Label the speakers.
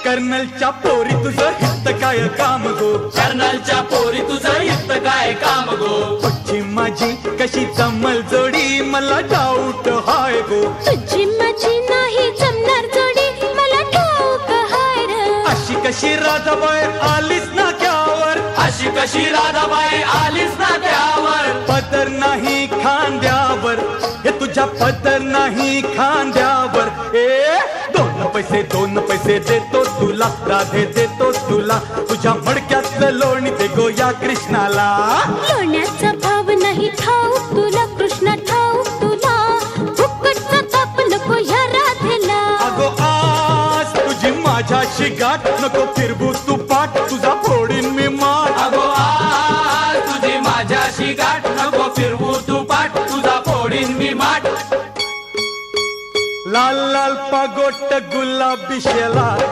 Speaker 1: कर्नलच्या पोरी तुझं हित काय काम गो,
Speaker 2: कर्नलच्या पोरी तुझं हित काय काम गो,
Speaker 1: तुझी माझी कशी जमल जोडी मला डाऊट हाय गो,
Speaker 3: तुझी माझी नाही जमणार जोडी मला ठाऊक हाय रे,
Speaker 1: अशी कशी राधाबाई आलीस ना क्यावर,
Speaker 2: अशी कशी राधाबाई आलीस ना त्यावर,
Speaker 1: पदर नाही खांद्यावर, हे तुझ्या पदर नाही खांद्यावर, दोन पैसे देतो तुला राधे देतो तुला, तुझ्या मडक्यातलं लोणी दे गो या कृष्णाला,
Speaker 3: लोण्याचा भाव नाही ठाऊक तुला कृष्णा ठाऊक तुला, फुकटचा ताप नको ह्या राधेला,
Speaker 1: अगो आज तुझी माझ्याशी गाठ नको फिरवू तू पाठ तुझा फोडीन मी माठ,
Speaker 2: अगो आज तुझी माझ्याशी गाठ नको फिरवू तू पाठ तुझा फोडीन मी माठ,
Speaker 1: लाल लाल पागोट गुलाबी शेला